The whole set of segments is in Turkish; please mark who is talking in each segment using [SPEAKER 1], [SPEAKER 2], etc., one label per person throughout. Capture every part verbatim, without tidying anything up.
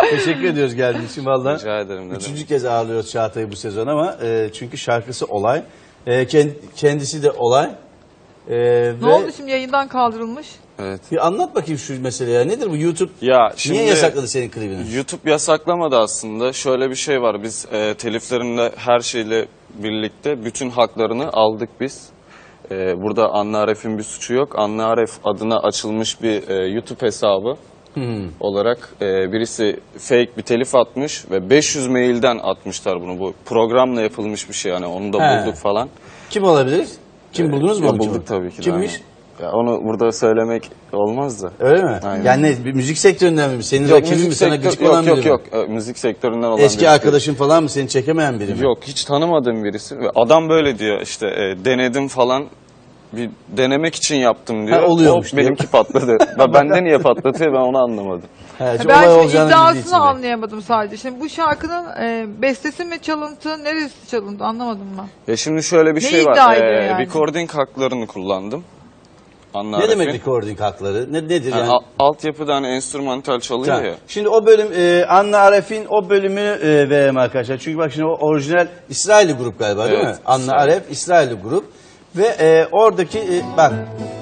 [SPEAKER 1] Teşekkür ediyoruz geldiğin için valla.
[SPEAKER 2] Rica ederim. Ne
[SPEAKER 1] Üçüncü
[SPEAKER 2] demek.
[SPEAKER 1] kez ağırlıyoruz Çağatay'ı bu sezon ama e, çünkü şarkısı olay. E, kend, kendisi de olay. E,
[SPEAKER 3] Ne
[SPEAKER 1] ve
[SPEAKER 3] oldu şimdi, yayından kaldırılmış?
[SPEAKER 2] Evet.
[SPEAKER 1] bir anlat bakayım şu meseleyi ya. Nedir bu YouTube?
[SPEAKER 2] Ya şimdi
[SPEAKER 1] Niye yasakladı senin klibini?
[SPEAKER 2] YouTube yasaklamadı aslında. Şöyle bir şey var. Biz e, teliflerinle her şeyle birlikte bütün haklarını aldık biz. E, burada Anna Aref'in bir suçu yok. Anna Aref adına açılmış bir e, YouTube hesabı
[SPEAKER 1] Hmm.
[SPEAKER 2] olarak e, birisi fake bir telif atmış ve beş yüz mailden atmışlar bunu. Bu programla yapılmış bir şey, yani onu da
[SPEAKER 1] He.
[SPEAKER 2] bulduk falan.
[SPEAKER 1] Kim olabilir? Kim buldunuz mu?
[SPEAKER 2] Ya
[SPEAKER 1] onu?
[SPEAKER 2] bulduk tabii ki. de,
[SPEAKER 1] Kimmiş?
[SPEAKER 2] aynen. Ya onu burada söylemek olmaz da.
[SPEAKER 1] Öyle mi?
[SPEAKER 2] Aynen.
[SPEAKER 1] Yani ne? Bir müzik sektöründen mi? Senin
[SPEAKER 2] Yok,
[SPEAKER 1] rakibin mi?
[SPEAKER 2] müzik
[SPEAKER 1] Sana
[SPEAKER 2] sektör,
[SPEAKER 1] gıcık olan
[SPEAKER 2] yok,
[SPEAKER 1] biri
[SPEAKER 2] yok,
[SPEAKER 1] mi?
[SPEAKER 2] yok. E, Müzik sektöründen olan
[SPEAKER 1] Eski
[SPEAKER 2] birisi.
[SPEAKER 1] arkadaşın falan mı? Seni çekemeyen biri mi?
[SPEAKER 2] Yok, hiç tanımadığım birisi. Ve adam böyle diyor işte, e, denedim falan. Bir denemek için yaptım diyor.
[SPEAKER 1] Ha, oluyormuş
[SPEAKER 2] O,
[SPEAKER 1] diyor.
[SPEAKER 2] benimki patladı. Ben bende niye patlatıyor, ben onu anlamadım.
[SPEAKER 1] He, hiç
[SPEAKER 3] Ben
[SPEAKER 1] olay
[SPEAKER 3] şimdi
[SPEAKER 1] olacağını bildiği için
[SPEAKER 3] iddiasını
[SPEAKER 1] de.
[SPEAKER 3] anlayamadım sadece. Şimdi bu şarkının e, bestesi mi çalıntı, neresi çalıntı anlamadım ben.
[SPEAKER 2] Ya şimdi şöyle bir
[SPEAKER 3] Ne
[SPEAKER 2] şey
[SPEAKER 3] iddia
[SPEAKER 2] var.
[SPEAKER 3] ediyor
[SPEAKER 2] E,
[SPEAKER 3] yani?
[SPEAKER 2] Recording haklarını kullandım. Anla
[SPEAKER 1] Ne demek
[SPEAKER 2] Aref'in.
[SPEAKER 1] recording hakları? Ne, nedir
[SPEAKER 2] Yani
[SPEAKER 1] yani?
[SPEAKER 2] al- altyapıda hani enstrümantal çalıyor
[SPEAKER 1] Tamam.
[SPEAKER 2] ya.
[SPEAKER 1] Şimdi o bölüm e, Anna Aref'in o bölümünü e, verelim arkadaşlar. Çünkü bak şimdi o orijinal İsrailli grup galiba değil
[SPEAKER 2] Evet,
[SPEAKER 1] mi? Anna
[SPEAKER 2] İsrail.
[SPEAKER 1] Aref İsrailli grup ve e, oradaki e, bak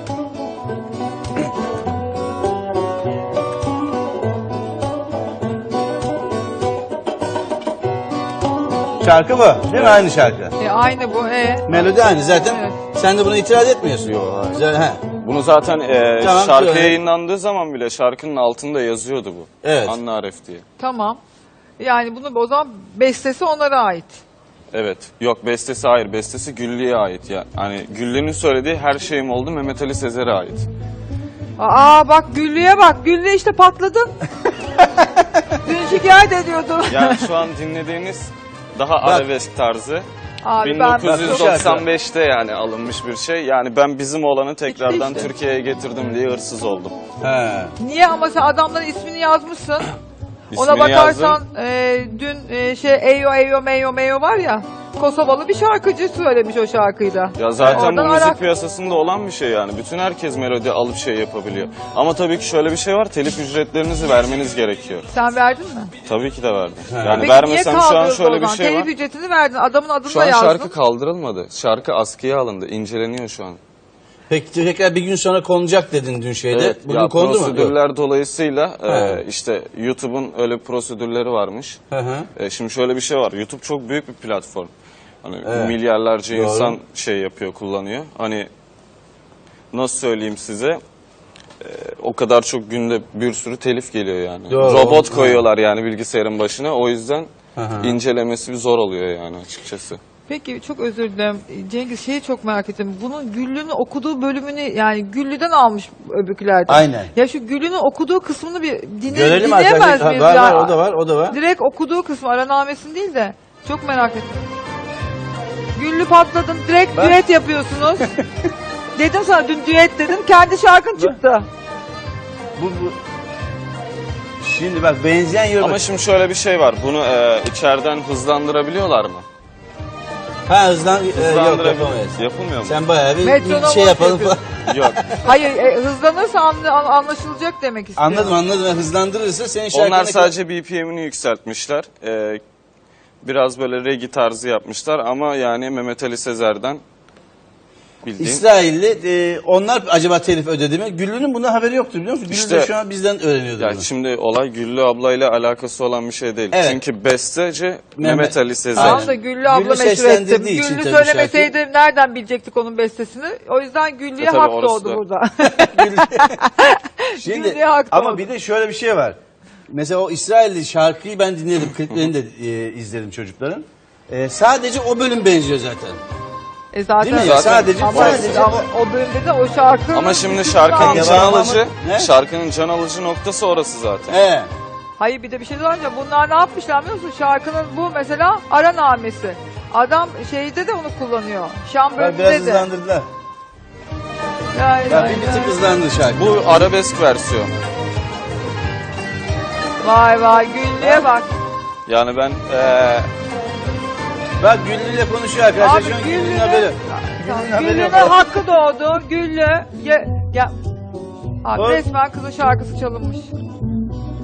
[SPEAKER 1] şarkı bu değil mi? Aynı şarkı.
[SPEAKER 3] E, aynı bu. E.
[SPEAKER 1] Melodi aynı zaten.
[SPEAKER 3] Evet.
[SPEAKER 1] Sen de buna itiraz etmiyorsun.
[SPEAKER 2] Yok, hayır.
[SPEAKER 1] Güzel, he.
[SPEAKER 2] Bunu zaten e,
[SPEAKER 1] Tamam,
[SPEAKER 2] şarkı
[SPEAKER 1] söyle.
[SPEAKER 2] yayınlandığı zaman bile şarkının altında yazıyordu bu.
[SPEAKER 1] Evet.
[SPEAKER 2] Anna Aref diye.
[SPEAKER 3] Tamam. Yani bunu o zaman bestesi onlara ait.
[SPEAKER 2] Evet. Yok, bestesi hayır. Bestesi Güllü'ye ait. Ya. Hani Güllü'nün söylediği Her Şeyim Oldu Mehmet Ali Sezer'e ait.
[SPEAKER 3] Aa bak Güllü'ye bak. Güllü işte patladın. Dün şikayet ediyordun.
[SPEAKER 2] Yani şu an dinlediğiniz daha arabesk tarzı.
[SPEAKER 3] Abi
[SPEAKER 2] bin
[SPEAKER 3] ben
[SPEAKER 2] dokuz yüz doksan beşte yani alınmış bir şey. Yani ben bizim olanı tekrardan
[SPEAKER 3] işte.
[SPEAKER 2] Türkiye'ye getirdim diye hırsız oldum.
[SPEAKER 1] He.
[SPEAKER 3] niye ama sen adamların ismini yazmışsın. Ona
[SPEAKER 2] İsmini
[SPEAKER 3] bakarsan
[SPEAKER 2] yazdım.
[SPEAKER 3] e, dün e, şey Eyo Eyo Meyo Meyo var ya, Kosovalı bir şarkıcı söylemiş o şarkıyı da.
[SPEAKER 2] Ya zaten
[SPEAKER 3] Oradan
[SPEAKER 2] bu müzik
[SPEAKER 3] alak-
[SPEAKER 2] piyasasında olan bir şey yani. Bütün herkes melodi alıp şey yapabiliyor. Ama tabii ki şöyle bir şey var. Telif ücretlerinizi vermeniz gerekiyor.
[SPEAKER 3] Sen verdin mi?
[SPEAKER 2] Tabii ki de verdim.
[SPEAKER 1] He.
[SPEAKER 2] Yani
[SPEAKER 3] Peki
[SPEAKER 2] vermesem
[SPEAKER 3] niye
[SPEAKER 2] şu an
[SPEAKER 3] kaldırıldı o
[SPEAKER 2] şöyle bir
[SPEAKER 3] zaman?
[SPEAKER 2] şey
[SPEAKER 3] Telif
[SPEAKER 2] var.
[SPEAKER 3] ücretini verdin, adamın adını
[SPEAKER 2] Şu
[SPEAKER 3] da
[SPEAKER 2] an
[SPEAKER 3] yazdın.
[SPEAKER 2] şarkı kaldırılmadı. Şarkı askıya alındı. İnceleniyor şu an.
[SPEAKER 1] Peki tekrar bir gün sonra konacak dedin dün şeyde.
[SPEAKER 2] Evet,
[SPEAKER 1] Bugün
[SPEAKER 2] ya
[SPEAKER 1] kondu mu? Yok.
[SPEAKER 2] prosedürler dolayısıyla
[SPEAKER 1] Ha.
[SPEAKER 2] e, işte YouTube'un öyle prosedürleri varmış.
[SPEAKER 1] Hı hı.
[SPEAKER 2] E, şimdi şöyle bir şey var. YouTube çok büyük bir platform. Hani
[SPEAKER 1] Evet.
[SPEAKER 2] milyarlarca
[SPEAKER 1] Doğru.
[SPEAKER 2] insan şey yapıyor, kullanıyor. Hani nasıl söyleyeyim size? E, o kadar çok günde bir sürü telif geliyor yani.
[SPEAKER 1] Doğru.
[SPEAKER 2] Robot
[SPEAKER 1] Ha.
[SPEAKER 2] koyuyorlar yani bilgisayarın başına. O yüzden
[SPEAKER 1] Hı hı.
[SPEAKER 2] incelemesi bir zor oluyor yani açıkçası.
[SPEAKER 3] Peki çok özür dilerim Cengiz, şeyi çok merak ettim. Bunun Güllü'nün okuduğu bölümünü yani Güllü'den almış öbürkülerden.
[SPEAKER 1] Aynen.
[SPEAKER 3] Ya şu Güllü'nün okuduğu kısmını bir dinle,
[SPEAKER 1] Görelim
[SPEAKER 3] dinleyemez
[SPEAKER 1] arkadaşlar.
[SPEAKER 3] miyiz
[SPEAKER 1] Var
[SPEAKER 3] ya?
[SPEAKER 1] var o da var o da var.
[SPEAKER 3] Direkt okuduğu kısmı, aranamesini değil de. Çok merak ettim. Güllü patladın, direkt
[SPEAKER 1] Bak.
[SPEAKER 3] düet yapıyorsunuz. Dedim sana dün düet dedim, kendi şarkın çıktı.
[SPEAKER 1] Bu, bu. Şimdi bak benzeyen yorum.
[SPEAKER 2] Ama şimdi şöyle bir şey var. Bunu e, içeriden hızlandırabiliyorlar mı?
[SPEAKER 1] Ha hızlan e, yok
[SPEAKER 2] Hızlandırabiliyor.
[SPEAKER 1] yapamayız.
[SPEAKER 2] Yapılmıyor mu?
[SPEAKER 1] Sen bayağı bir, bir
[SPEAKER 3] Metronom
[SPEAKER 1] şey yapalım falan.
[SPEAKER 3] yapıyorsun.
[SPEAKER 2] Yok.
[SPEAKER 3] Hayır, e, hızlanırsa anla- an- anlaşılacak demek istiyorum.
[SPEAKER 1] Anladım anladım. Hızlandırırsa senin şarkına...
[SPEAKER 2] Onlar sadece B P M'ini yükseltmişler. Ee, biraz böyle reggae tarzı yapmışlar ama yani Mehmet Ali Sezer'den bildiğin.
[SPEAKER 1] İsrailli e, onlar acaba telif ödedi mi? Güllü'nün bundan haberi yoktu biliyor musun? Güllü
[SPEAKER 2] İşte-
[SPEAKER 1] de şu an bizden öğreniyordu
[SPEAKER 2] Ya
[SPEAKER 1] bunu.
[SPEAKER 2] şimdi olay Güllü ablayla alakası olan bir şey değil.
[SPEAKER 1] Evet.
[SPEAKER 2] Çünkü besteci Mehmet, Ali Sezer.
[SPEAKER 3] Tamam da Güllü abla
[SPEAKER 1] Güllü
[SPEAKER 3] meşhur
[SPEAKER 1] seslendirdiği
[SPEAKER 3] etti.
[SPEAKER 1] için
[SPEAKER 3] Güllü
[SPEAKER 1] tabii
[SPEAKER 3] söylemeseydi nereden bilecektik onun bestesini? O yüzden Güllü'ye
[SPEAKER 2] E tabii
[SPEAKER 3] hak
[SPEAKER 2] orası
[SPEAKER 3] doğdu
[SPEAKER 2] da.
[SPEAKER 3] burada.
[SPEAKER 1] Şimdi
[SPEAKER 3] Güllü'ye hak
[SPEAKER 1] ama
[SPEAKER 3] doğdu.
[SPEAKER 1] bir de şöyle bir şey var. Mesela o İsrailli şarkıyı ben dinledim. Kliplerini de e, izledim çocukların. E, sadece o bölüm benziyor zaten.
[SPEAKER 3] E zaten,
[SPEAKER 1] Değil mi?
[SPEAKER 2] Zaten
[SPEAKER 1] sadece
[SPEAKER 3] ama,
[SPEAKER 1] sadece
[SPEAKER 3] ama o bölümde de o şarkı...
[SPEAKER 2] Ama şimdi şarkının
[SPEAKER 1] Ya
[SPEAKER 2] can
[SPEAKER 1] ama-
[SPEAKER 2] alıcı,
[SPEAKER 1] Ne?
[SPEAKER 2] şarkının can alıcı noktası orası zaten.
[SPEAKER 1] He.
[SPEAKER 3] Hayır bir de bir şey söyleyeceğim. Bunlar ne yapmışlar biliyor musun? Şarkının bu mesela aranamesi. Adam şeyde de onu kullanıyor. Şam
[SPEAKER 1] Bak, biraz
[SPEAKER 3] bölümünde de.
[SPEAKER 1] hızlandırdılar.
[SPEAKER 3] Vay
[SPEAKER 1] Ya
[SPEAKER 3] vay
[SPEAKER 1] bir, bir
[SPEAKER 3] vay.
[SPEAKER 1] tık hızlandı şarkı.
[SPEAKER 2] Bu arabesk versiyonu.
[SPEAKER 3] Vay vay Güllü'ye bak.
[SPEAKER 2] Yani ben eee
[SPEAKER 1] Bak Güllü'yle konuşuyor arkadaşlar.
[SPEAKER 3] Abi
[SPEAKER 1] Şu an Güllü'nün
[SPEAKER 3] Güllü'nün
[SPEAKER 1] haberi. Güllü'nün haberi
[SPEAKER 3] Güllü'nün
[SPEAKER 1] yok.
[SPEAKER 3] hakkı doğdu. Güllü. Ya, ya. Abi
[SPEAKER 1] Bak.
[SPEAKER 3] resmen kızın şarkısı çalınmış.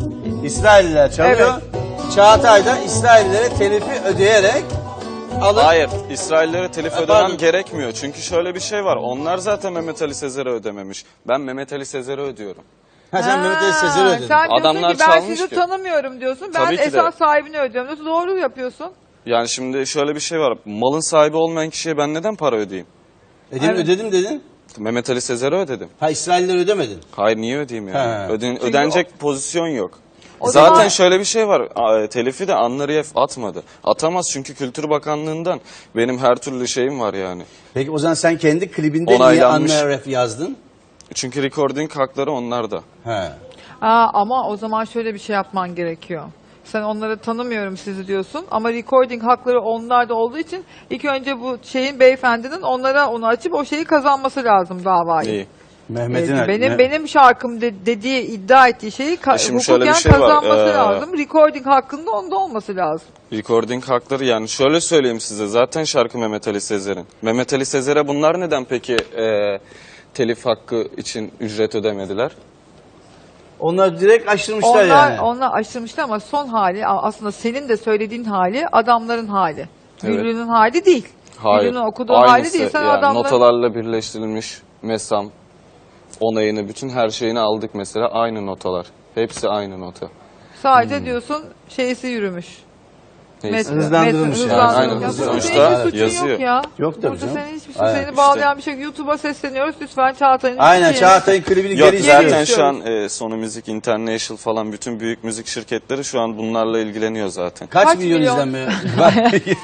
[SPEAKER 1] İsrailliler çalıyor. Çağatay da İsraillilere telifi ödeyerek alıp
[SPEAKER 2] Hayır, İsraillere telif
[SPEAKER 1] Ha,
[SPEAKER 2] ödemem
[SPEAKER 1] pardon.
[SPEAKER 2] gerekmiyor. Çünkü şöyle bir şey var. Onlar zaten Mehmet Ali Sezer'e ödememiş. Ben Mehmet Ali Sezer'e ödüyorum.
[SPEAKER 1] ha, sen Mehmet Ali Sezer'e ödedin.
[SPEAKER 3] Sen diyorsun
[SPEAKER 2] Adamlar
[SPEAKER 3] ki ben
[SPEAKER 2] çalmış
[SPEAKER 3] sizi
[SPEAKER 2] ki.
[SPEAKER 3] tanımıyorum diyorsun. Ben
[SPEAKER 2] Tabii ki de.
[SPEAKER 3] esas sahibini ödüyorum diyorsun. Doğru yapıyorsun.
[SPEAKER 2] Yani şimdi şöyle bir şey var. Malın sahibi olmayan kişiye ben neden para ödeyeyim?
[SPEAKER 1] Ödedim,
[SPEAKER 3] Evet.
[SPEAKER 1] ödedim dedin.
[SPEAKER 2] Mehmet Ali Sezer'e ödedim.
[SPEAKER 1] Ha, İsraillilere ödemedin.
[SPEAKER 2] Hayır, niye ödeyeyim yani?
[SPEAKER 1] He.
[SPEAKER 2] Öden-
[SPEAKER 3] Çünkü
[SPEAKER 2] ödenecek pozisyon yok.
[SPEAKER 3] O
[SPEAKER 2] Zaten
[SPEAKER 3] zaman-
[SPEAKER 2] şöyle bir şey var. a- Telifi de Anlariyev atmadı. Atamaz çünkü Kültür Bakanlığı'ndan benim her türlü şeyim var yani.
[SPEAKER 1] Peki o zaman sen kendi klibinde niye
[SPEAKER 2] Onaylanmış.
[SPEAKER 1] Anna Aref yazdın?
[SPEAKER 2] Çünkü recording hakları onlarda.
[SPEAKER 1] Ha.
[SPEAKER 3] Aa, ama o zaman şöyle bir şey yapman gerekiyor. Sen onları tanımıyorum sizi diyorsun ama recording hakları onlarda olduğu için ilk önce bu şeyin beyefendinin onlara onu açıp o şeyi kazanması lazım davayı.
[SPEAKER 2] İyi.
[SPEAKER 1] Mehmet'in
[SPEAKER 3] Ee, benim
[SPEAKER 1] Me-
[SPEAKER 3] benim şarkım de- dediği iddia ettiği şeyi ka-
[SPEAKER 2] E şimdi şöyle
[SPEAKER 3] hukuken
[SPEAKER 2] bir şey var,
[SPEAKER 3] kazanması
[SPEAKER 2] ee,
[SPEAKER 3] lazım. Recording hakkında onda olması lazım.
[SPEAKER 2] Recording hakları yani şöyle söyleyeyim size. Zaten şarkı Mehmet Ali Sezer'in. Mehmet Ali Sezer'e bunlar neden peki e, telif hakkı için ücret ödemediler?
[SPEAKER 1] Onlar direkt açtırmışlar
[SPEAKER 3] Onlar
[SPEAKER 1] yani.
[SPEAKER 3] onlar aşırmışlar ama son hali a- aslında senin de söylediğin hali adamların hali.
[SPEAKER 2] Evet.
[SPEAKER 3] Güllü'nün hali değil.
[SPEAKER 2] Hayır.
[SPEAKER 3] Güllü'nün okuduğu hali
[SPEAKER 2] Aynısı.
[SPEAKER 3] değil. Sen
[SPEAKER 2] Yani
[SPEAKER 3] adamların
[SPEAKER 2] notalarla birleştirilmiş mesam, onayını, bütün her şeyini aldık mesela. Aynı notalar. Hepsi aynı nota.
[SPEAKER 3] sadece
[SPEAKER 2] Hmm.
[SPEAKER 3] diyorsun şeysi yürümüş.
[SPEAKER 2] Neyse.
[SPEAKER 3] Met-
[SPEAKER 1] Hızlandırılmış
[SPEAKER 3] met-
[SPEAKER 1] yani.
[SPEAKER 3] hızlandırılmış.
[SPEAKER 2] Aynen,
[SPEAKER 3] Ya
[SPEAKER 2] hızlı-
[SPEAKER 3] burada
[SPEAKER 2] sonuçta
[SPEAKER 3] senin hiçbir suçun
[SPEAKER 2] yazıyor.
[SPEAKER 3] Yok, ya.
[SPEAKER 1] Yok tabii
[SPEAKER 3] Burada
[SPEAKER 1] canım.
[SPEAKER 3] senin hiçbir suçun.
[SPEAKER 1] Aynen.
[SPEAKER 3] Seni bağlayan bir şey. YouTube'a sesleniyoruz. Lütfen Çağatay'ın
[SPEAKER 1] Aynen
[SPEAKER 3] şeyini-
[SPEAKER 1] Çağatay'ın klibini
[SPEAKER 2] Yok
[SPEAKER 1] geri
[SPEAKER 2] zaten
[SPEAKER 1] izliyoruz.
[SPEAKER 2] şu an e, Sony Music International falan bütün büyük müzik şirketleri şu an bunlarla ilgileniyor zaten.
[SPEAKER 1] Kaç,
[SPEAKER 3] Kaç
[SPEAKER 1] milyon,
[SPEAKER 3] milyon?
[SPEAKER 1] izlenme var?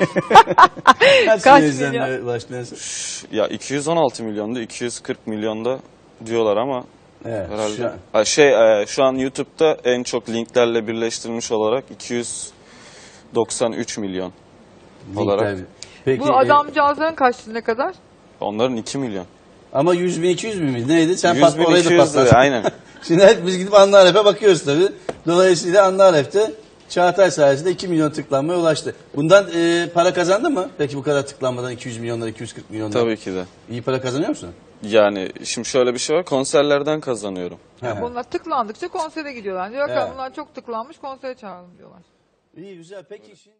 [SPEAKER 1] Kaç,
[SPEAKER 3] Kaç
[SPEAKER 1] milyon
[SPEAKER 3] milyon?
[SPEAKER 1] izlenme ulaştınız?
[SPEAKER 2] Ya iki yüz on altı milyonda, iki yüz kırk milyonda diyorlar ama
[SPEAKER 1] Evet,
[SPEAKER 2] herhalde.
[SPEAKER 1] şu an-
[SPEAKER 2] Ha, şey e, şu an YouTube'da en çok linklerle birleştirilmiş olarak iki yüz doksan üç milyon olarak.
[SPEAKER 1] Linkler- Peki,
[SPEAKER 3] Bu
[SPEAKER 1] e,
[SPEAKER 3] adamcağızların kaçtı ne kadar?
[SPEAKER 2] Onların iki milyon.
[SPEAKER 1] ama yüz bin iki yüz bin mi? Neydi? Sen
[SPEAKER 2] yüz
[SPEAKER 1] pat,
[SPEAKER 2] bin
[SPEAKER 1] orayı
[SPEAKER 2] iki
[SPEAKER 1] da
[SPEAKER 2] yüz
[SPEAKER 1] patlattın.
[SPEAKER 2] lira aynen.
[SPEAKER 1] Şimdi hep biz gidip Anna Aref'e bakıyoruz tabii. Dolayısıyla Anna Aref'te Çağatay sayesinde iki milyon tıklanmaya ulaştı. Bundan e, para kazandı mı? Peki bu kadar tıklanmadan iki yüz milyonlar, iki yüz kırk milyonlar.
[SPEAKER 2] Tabii ki de.
[SPEAKER 1] İyi para kazanıyor musun?
[SPEAKER 2] Yani şimdi şöyle bir şey var. Konserlerden kazanıyorum.
[SPEAKER 1] He he.
[SPEAKER 3] Bunlar tıklandıkça konsere gidiyorlar. Diyor ki
[SPEAKER 1] Evet.
[SPEAKER 3] bunlar çok tıklanmış konsere çağıralım diyorlar.
[SPEAKER 1] İyi güzel. Peki şimdi...